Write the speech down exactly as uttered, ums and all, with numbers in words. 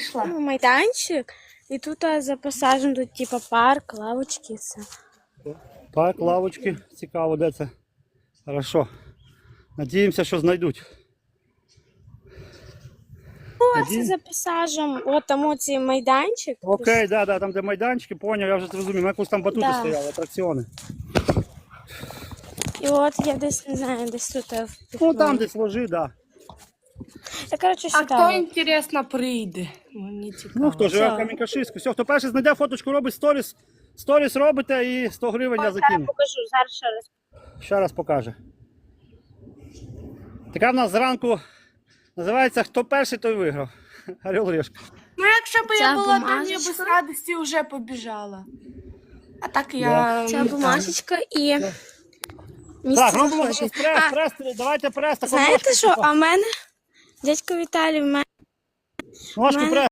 знайшла. Ну, майданчик. І тут а, за пасажем тут типа парк, лавочки, все. Парк, лавочки. Цікаво, де це. Хорошо. Надіємося, що знайдуть. О, це за пасажем. От там оцей майданчик. Окей, да, да, там де майданчики, поняв, я вже зрозумів. У якось там батути Да. стояли, атракціони. І от я десь, не знаю, десь тут. а, Ну там десь ложи, да. Та, коротше, А сюди. хто, інтересно, прийде? Мені цікаво. Ну, хто живе в Все. Камінь-Каширську. Все, хто перший знайде фоточку, робить сторіс. Сторіс робите і сто гривень я Зараз закину. покажу, зараз ще раз. Ще раз покаже. Така в нас зранку називається «Хто перший, той виграв». Орел Решка. Ну, якщо б Ця я була, то я бумажечка. б з радості вже побіжала. А так я... Ця бумажечка і Так, місце робимо захоче. зараз А, прес, прес, давайте прес. таку знаєте ножку, що, типу. а в мене, дядько Віталій, в мене Ножку мене- прес.